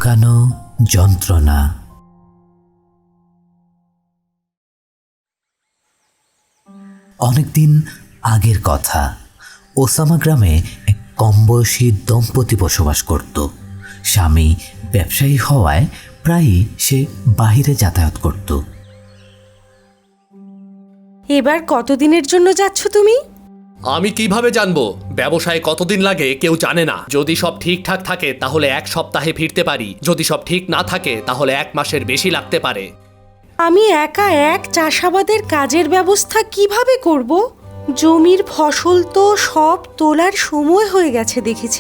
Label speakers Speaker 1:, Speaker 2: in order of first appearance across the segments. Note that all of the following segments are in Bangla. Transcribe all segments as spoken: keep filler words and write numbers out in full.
Speaker 1: লুকানো যন্ত্রণা। অনেকদিন আগের কথা, ওসামা গ্রামে এক কমবয়সী দম্পতি বসবাস করত। স্বামী ব্যবসায়ী হওয়ায় প্রায়ই সে বাহিরে যাতায়াত করত।
Speaker 2: এবার কতদিনের জন্য যাচ্ছ তুমি?
Speaker 3: আমি কিভাবে জানবো? ব্যবসায় কতদিন লাগে কেউ জানে না। যদি সব ঠিকঠাক থাকে তাহলে এক সপ্তাহে ফিরতে পারি, যদি সব ঠিক না থাকে তাহলে এক মাসের বেশি লাগতে পারে।
Speaker 2: আমি একা এক চাষাবাদের কাজের ব্যবস্থা কিভাবে করব? জমির ফসল তো সব তোলার সময় হয়ে গেছে দেখেছি।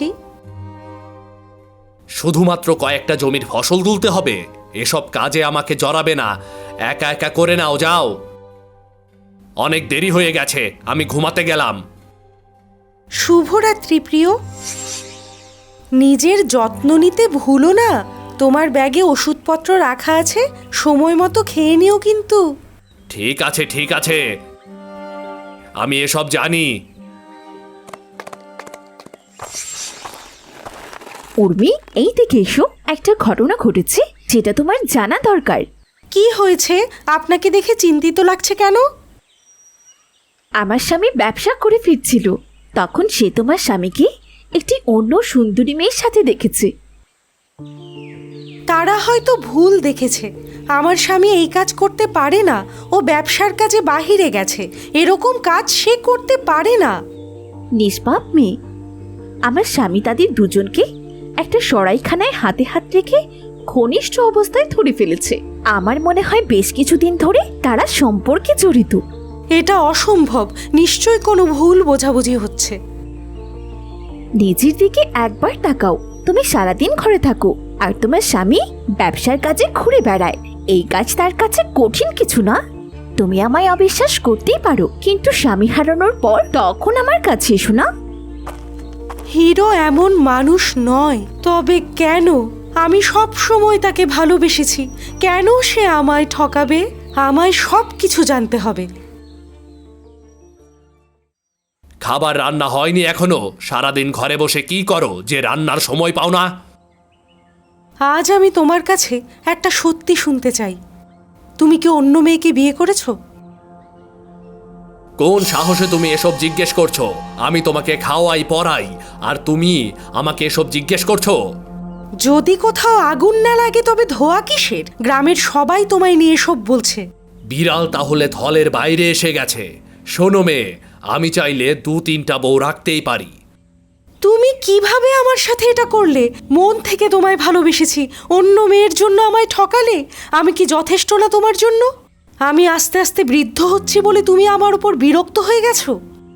Speaker 3: শুধুমাত্র কয়েকটা জমির ফসল তুলতে হবে? এসব কাজে আমাকে জড়াবে না, একা একা করে নাও, যাও। অনেক দেরি হয়ে গেছে, আমি ঘুমাতে গেলাম।
Speaker 2: শুভরাত্রি প্রিয়। নিজের যত্ন নিতে ভুলো না। তোমার ব্যাগে ওষুধপত্র রাখা আছে, সময় মতো খেয়ে নিও কিন্তু।
Speaker 3: ঠিক আছে ঠিক আছে, আমি এসব জানি।
Speaker 4: উর্মি, এই দিকে এসো। একটা ঘটনা ঘটেছে যেটা তোমার জানা দরকার।
Speaker 2: কি হয়েছে? আপনাকে দেখে চিন্তিত লাগছে কেন?
Speaker 4: আমার স্বামী ব্যবসা করে ফিরছিল, তখন সে তোমার স্বামীকে একটি অন্য সুন্দরী মেয়ের সাথে দেখেছে।
Speaker 2: তারা হয়তো ভুল দেখেছে। আমার স্বামী এই কাজ করতে পারে না, ও ব্যবসার কাজে বাহিরে গেছে। এরকম কাজ সে করতে পারে না।
Speaker 4: নিষ্পাপ মেয়ে। আমার স্বামী তাদের দুজনকে একটা সরাইখানায় হাতে হাত রেখে ঘনিষ্ঠ অবস্থায় ধরে ফেলেছে। আমার মনে হয় বেশ কিছুদিন ধরে তারা সম্পর্কে জড়িত।
Speaker 2: এটা অসম্ভব, নিশ্চয়ই কোনো ভুল বোঝাবুঝি হচ্ছে।
Speaker 4: নিজের দিকে একবার তাকাও। তুমি সারাদিন ঘরে থাকো আর তোমার স্বামী ব্যবসার কাজে ঘুরে বেড়ায়। এই কাজ তার কাছে কঠিন কিছু না। তুমি আমায় অবিশ্বাস করতেই পারো, কিন্তু স্বামী হারানোর পর তখন আমার কাছে এসো না।
Speaker 2: হিরো এমন মানুষ নয়। তবে কেন? আমি সব সময় তাকে ভালোবেসেছি। কেন সে আমায় ঠকাবে? আমায় সব কিছু জানতে হবে।
Speaker 3: খাবার রান্না হয়নি এখনো? সারাদিন ঘরে বসে কি করো যে রান্নার সময় পাও না?
Speaker 2: আজ আমি তোমার কাছে একটা সত্যি শুনতে চাই। তুমি কি অন্য মেয়েকে বিয়ে করেছো?
Speaker 3: কোন সাহসে তুমি এসব জিজ্ঞেস করছো? আমি তোমাকে খাওয়াই পড়াই, আর তুমি আমাকে এসব জিজ্ঞেস করছো?
Speaker 2: যদি কোথাও আগুন না লাগে তবে ধোয়া কিসের? গ্রামের সবাই তোমায় নিয়ে সব বলছে।
Speaker 3: বিড়াল তাহলে থলের বাইরে এসে গেছে। শোনো মেয়ে, আমি চাইলে দু তিনটা বউ রাখতেই পারি।
Speaker 2: তুমি কিভাবে আমার সাথে এটা করলে? মন থেকে তোমায় ভালোবেসেছি, অন্য মেয়ের জন্য আমায় ঠকালে। আমি কি যথেষ্ট না তোমার জন্য? আমি আস্তে আস্তে বৃদ্ধ হচ্ছি বলে তুমি আমার উপর বিরক্ত হয়ে গেছো?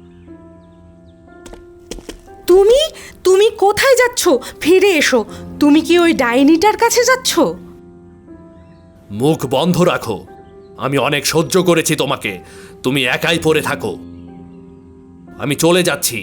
Speaker 2: তুমি তুমি কোথায় যাচ্ছ? ফিরে এসো। তুমি কি ওই ডাইনিটার কাছে যাচ্ছ?
Speaker 3: মুখ বন্ধ রাখো। আমি অনেক সহ্য করেছি তোমাকে, তুমি একাই পড়ে থাকো। আমি চলে যাচ্ছি।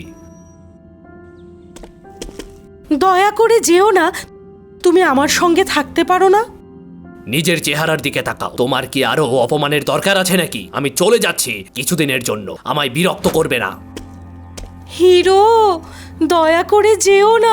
Speaker 2: দয়া করে যেও না। তুমি আমার সঙ্গে থাকতে পারো না?
Speaker 3: নিজের চেহারার দিকে তাকাও। তোমার কি আরো অপমানের দরকার আছে নাকি? আমি চলে যাচ্ছি কিছুদিনের জন্য, আমায় বিরক্ত করবে না।
Speaker 2: হিরো, দয়া করে যেও না।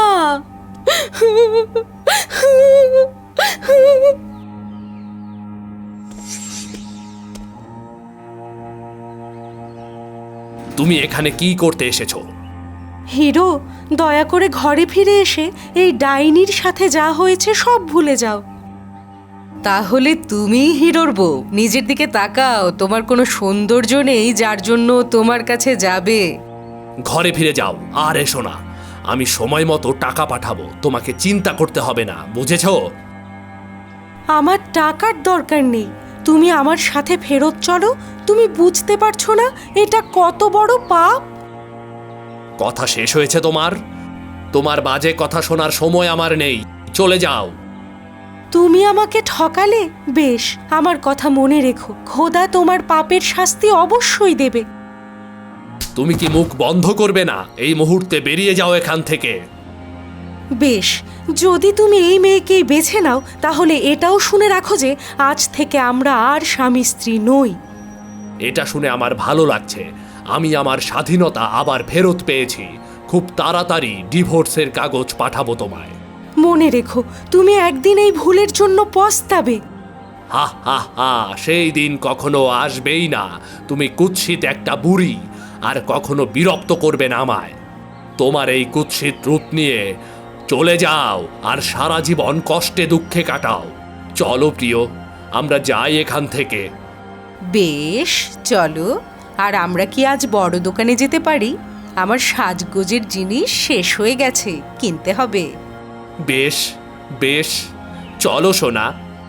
Speaker 3: তুমি এখানে কি করতে এসেছো?
Speaker 2: হিরো, দয়া করে ঘরে ফিরে এসে এই ডাইনির সাথে যা হয়েছে সব ভুলে যাও। তাহলে তুমি হিরোর বউ? নিজের দিকে তাকাও। তোমার কোনো সৌন্দর্য নেই যার জন্য তোমার কাছে যাবে।
Speaker 3: ঘরে ফিরে যাও আর এসো না। আমি সময় মতো টাকা পাঠাবো, তোমাকে চিন্তা করতে হবে না, বুঝেছো?
Speaker 2: আমার টাকার দরকার নেই, তুমি আমার সাথে ফেরত চলো। তুমি বুঝতে পারছো না এটা কত বড় পাপ?
Speaker 3: কথা শেষ হয়েছে তোমার? তোমার বাজে কথা শোনার সময় আমার নেই, চলে যাও।
Speaker 2: তুমি আমাকে ঠকালে? বেশ, আমার কথা মনে রেখো। খোদা তোমার পাপের শাস্তি অবশ্যই দেবে।
Speaker 3: তুমি কি মুখ বন্ধ করবে না? এই মুহূর্তে বেরিয়ে যাও এখান থেকে।
Speaker 2: বেশ, যদি তুমি এই মেয়েকেই বেছে নাও তাহলে এটাও শুনে রাখো যে আজ থেকে আমরা আর স্বামী স্ত্রী নই।
Speaker 3: এটা শুনে আমার ভালো লাগছে। আমি আমার স্বাধীনতা আবার ফেরত পেয়েছি। খুব তাড়াতাড়ি ডিভোর্সের কাগজ পাঠাবো তোমায়।
Speaker 2: মনে রেখো, তুমি একদিন এই ভুলের জন্য পস্তাবে।
Speaker 3: হা হা হা, সেই দিন কখনো আসবেই না। তুমি কুৎসিত একটা বুড়ি, আর কখনো বিরক্ত করবে না আমায়। তোমার এই কুৎসিত রূপ নিয়ে চলে যাও আর সারা জীবন কষ্টে দুঃখে কাটাও। চলো প্রিয়, আমরা যাই এখান থেকে।
Speaker 2: বেশ, চলো। আর আমরা কি আজ বড় দোকানে যেতে পারি? আমার সাজগোজের জিনিস শেষ হয়ে গেছে, কিনতে হবে।
Speaker 3: বেশ বেশ, চলো সোনা।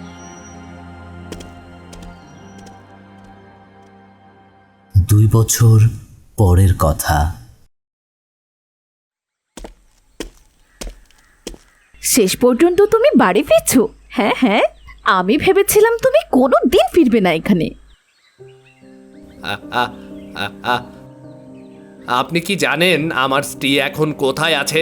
Speaker 1: দুই বছর পরের কথা।
Speaker 4: শেষ পর্যন্ত তুমি বাড়ি ফিরছো? হ্যাঁ হ্যাঁ, আমি ভেবেছিলাম তুমি কোনো দিন ফিরবে না এখানে।
Speaker 3: আ, আ, আ, আ। আপনি কি জানেন আমার স্ত্রী এখন কোথায় আছে?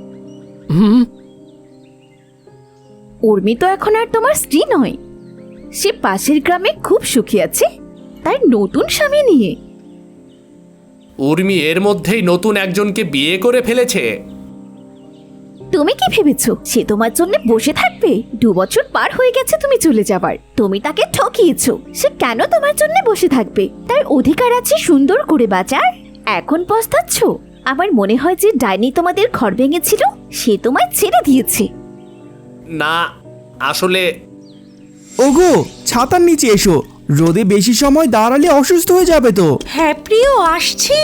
Speaker 4: উর্মি তো এখন আর তোমার স্ত্রী নয়। সে পাশের গ্রামে খুব সুখী আছে তার নতুন স্বামী নিয়ে।
Speaker 3: উর্মি এর মধ্যেই নতুন একজনকে বিয়ে করে ফেলেছে।
Speaker 4: তুমি কি ভেবেছো সে তোমার জন্য বসে থাকবে? দু বছর পার হয়ে গেছে তুমি চলে যাবার। তুমি তাকে ঠকিয়েছো। সে কেন তোমার জন্য বসে থাকবে? তার অধিকার আছে সুন্দর করে বাঁচার। এখন পস্তাচ্ছ? আমার মনে হয় যে ডাইনি তোমাদের ঘর ভেঙেছিল সে তোমায় ছেড়ে দিয়েছে।
Speaker 3: না, আসলে
Speaker 5: ওগো, ছাতার নিচে এসো, রোদে বেশি সময় দাঁড়ালে অসুস্থ হয়ে যাবে তো।
Speaker 2: হ্যাঁ প্রিয়, আসছি।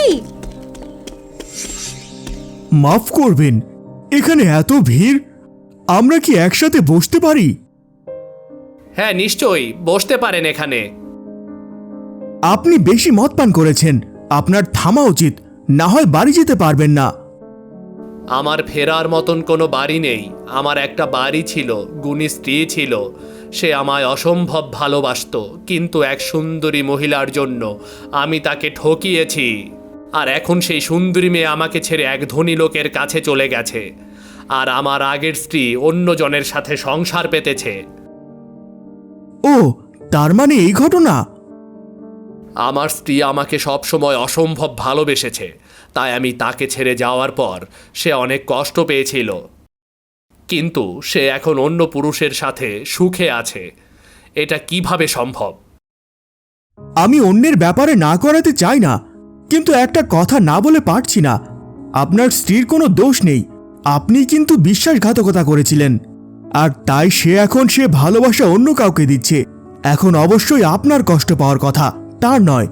Speaker 5: মাফ করবেন, এখানে এত ভিড়, আমরা কি একসাথে বসতে পারি?
Speaker 3: হ্যাঁ নিশ্চয়ই, বসতে পারেন এখানে।
Speaker 5: আপনি বেশি মদ পান করেছেন, আপনার থামা উচিত, না হয় বাড়ি যেতে পারবেন না।
Speaker 3: আমার ফেরার মতন কোনো বাড়ি নেই। আমার একটা বাড়ি ছিল, গুণী স্ত্রী ছিল, সে আমায় অসম্ভব ভালোবাসতো, কিন্তু এক সুন্দরী মহিলার জন্য আমি তাকে ঠকিয়েছি। আর এখন সেই সুন্দরী মেয়ে আমাকে ছেড়ে এক ধনী লোকের কাছে চলে গেছে, আর আমার আগের স্ত্রী অন্য জনের সাথে সংসার পেতেছে।
Speaker 5: ও, তার মানে এই ঘটনা?
Speaker 3: আমার স্ত্রী আমাকে সবসময় অসম্ভব ভালোবেসেছে, তাই আমি তাকে ছেড়ে যাওয়ার পর সে অনেক কষ্ট পেয়েছিল, কিন্তু সে এখন অন্য পুরুষের সাথে সুখে আছে। এটা কিভাবে সম্ভব?
Speaker 5: আমি অন্যের ব্যাপারে না করাতে চাই না, কিন্তু একটা কথা না বলে পারছি না। আপনার স্ত্রীর কোনো দোষ নেই, আপনি কিন্তু বিশ্বাসঘাতকতা করেছিলেন, আর তাই সে এখন সে ভালোবাসা অন্য কাউকে দিচ্ছে। এখন অবশ্যই আপনার কষ্ট পাওয়ার কথা, তার নয়।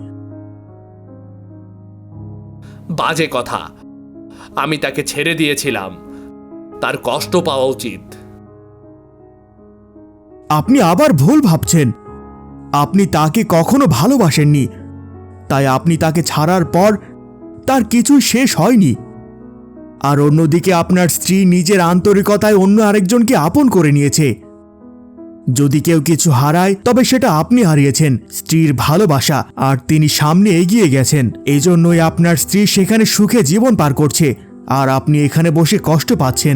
Speaker 3: বাজে কথা। আমি তাকে ছেড়ে দিয়েছিলাম, তার কষ্ট পাওয়া উচিত।
Speaker 5: আপনি আবার ভুল ভাবছেন। আপনি তাকে কখনো ভালোবাসেননি, তাই আপনি তাকে ছাড়ার পর তার কিছুই শেষ হয়নি। আর অন্যদিকে আপনার স্ত্রী নিজের আন্তরিকতায় অন্য আরেকজনকে আপন করে নিয়েছে। যদি কেউ কিছু হারায় তবে সেটা আপনি হারিয়েছেন, স্ত্রীর ভালোবাসা, আর তিনি সামনে এগিয়ে গেছেন। এই জন্যই আপনার স্ত্রী সেখানে সুখে জীবন পার করছে, আর আপনি এখানে বসে কষ্ট পাচ্ছেন।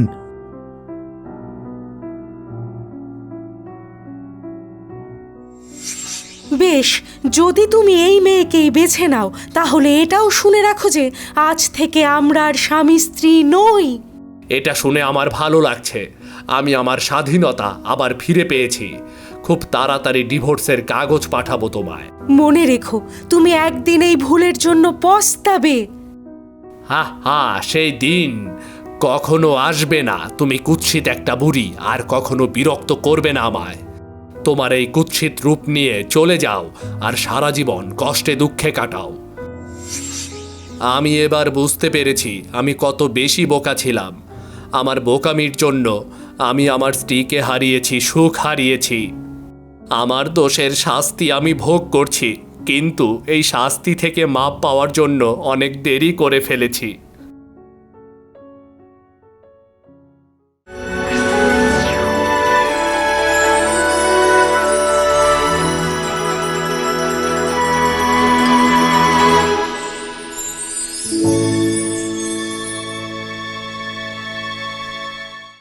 Speaker 2: বেশ, যদি তুমি এই মেয়েকেই বেছে নাও, তাহলে এটাও শুনে রাখো যে আজ থেকে আমরা আর স্বামী স্ত্রী নই।
Speaker 3: এটা শুনে আমার ভালো লাগছে। আমি আমার স্বাধীনতা আবার ফিরে পেয়েছি। খুব তাড়াতাড়ি ডিভোর্সের কাগজ পাঠাবো তোমায়।
Speaker 2: মনে রেখো, তুমি একদিন এই ভুলের জন্য পস্তাবে।
Speaker 3: হা হা, সেই দিন কখনো আসবে না। তুমি কুৎসিত একটা বুড়ি, আর কখনো বিরক্ত করবে না আমায়। তোমার এই কুৎসিত রূপ নিয়ে চলে যাও আর সারা জীবন কষ্টে দুঃখে কাটাও। আমি এবার বুঝতে পেরেছি আমি কত বেশি বোকা ছিলাম। আমার বোকামির জন্য আমি আমার স্ত্রীকে হারিয়েছি, সুখ হারিয়েছি। আমার দোষের শাস্তি আমি ভোগ করছি, কিন্তু এই শাস্তি থেকে মাপ পাওয়ার জন্য অনেক দেরি করে ফেলেছি।